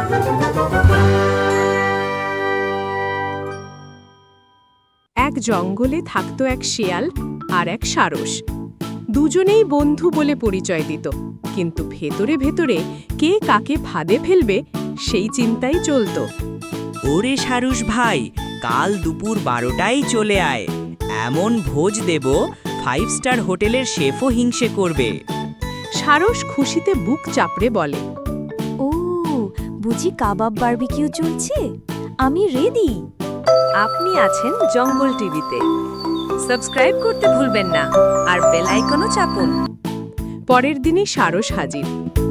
এক জঙ্গলে থাকত এক শেয়াল আর এক সারস। দুজনেই বন্ধু বলে পরিচয় দিত, কিন্তু ভেতরে ভেতরে কে কাকে ফাঁদে ফেলবে সেই চিন্তাই চলত। ওরে সারস ভাই, কাল দুপুর 12টায় চলে আয়, এমন ভোজ দেব 5 স্টার হোটেলের শেফও হিংসে করবে। সারস খুশিতে বুক চাপড়ে বলে, ও বুঝি কাবাব বারবিকিউ চলছে, আমি রেডি। আপনি আছেন জঙ্গল টিভিতে, সাবস্ক্রাইব করতে ভুলবেন না আর বেল আইকনও চাপুন। পরের দিনই সারস হাজির।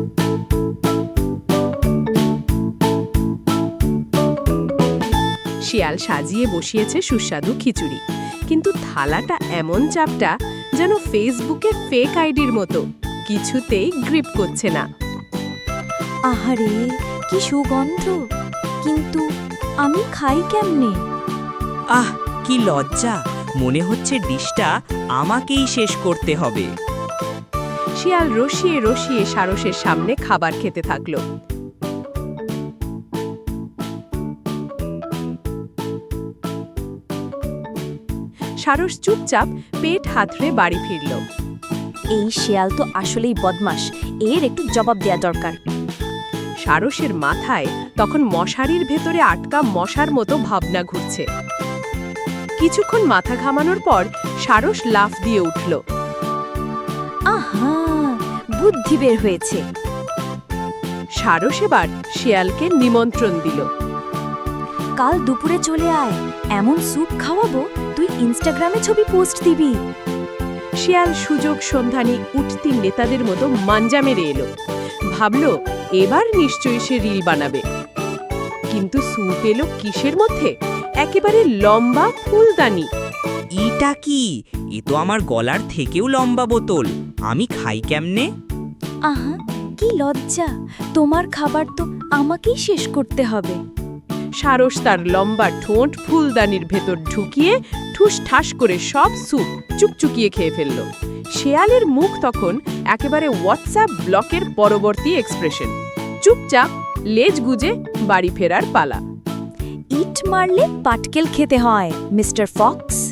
শিয়াল সাজিয়ে বসিয়েছে সুস্বাদু খিচুড়ি, কিন্তু থালাটা এমন চাপটা যেন ফেসবুকে ফেক আইডির মতো, কিছুতেই গ্রিপ করছে না। আহারে কি সুগন্ধ, কিন্তু আমি খাই কেমনে? আহ, কি লজ্জা, মনে হচ্ছে ডিশটা আমাকেই শেষ করতে হবে। শিয়াল রসিয়ে রসিয়ে সারসের সামনে খাবার খেতে থাকল। সারস চুপচাপ পেট হাতড়ে বাড়ি ফিরল। এই শিয়াল তো আসলেই বদমাশ, এর একটু জবাব দেয়া দরকার। সারসের মাথায় তখন মশারির ভেতরে আটকা মশার মতো ভাবনা ঘুরছে। কিছুক্ষণ মাথা ঘামানোর পর সারস লাফ দিয়ে উঠল। আহা, বুদ্ধি বের হয়েছে। সারস এবার শিয়ালকে নিমন্ত্রণ দিল। কাল দুপুরে চলে আয়, এমন স্যুপ খাওয়াবো তুই ইনস্টাগ্রামে ছবি পোস্ট দিবি। শিয়াল সুযোগ সন্ধানী উঠতি নেতাদের মতো মাঞ্জা মেরে এলো। ভাবল এবার নিশ্চয়ই সে রিল বানাবে। কিন্তু স্যুপ এলো কিসের মধ্যে? একেবারে লম্বা ফুলদানি। ইটা কি? এ তো আমার গলার থেকেও লম্বা বোতল, আমি খাই কেমনে? আহা, কি লজ্জা, তোমার খাবার তো আমাকেই শেষ করতে হবে। সারস তার লম্বা ঠোঁট ফুলদানির ভেতর ঢুকিয়ে ঠুস ঠাস করে সব স্যুপ চুকচুকিয়ে খেয়ে ফেলল। শেয়ালের মুখ তখন একেবারে হোয়াটসঅ্যাপ ব্লকের পরবর্তী এক্সপ্রেশন। চুপচাপ লেজ গুজে বাড়ি ফেরার পালা। ইট মারলে পাটকেল খেতে হয়, মিস্টার ফক্স।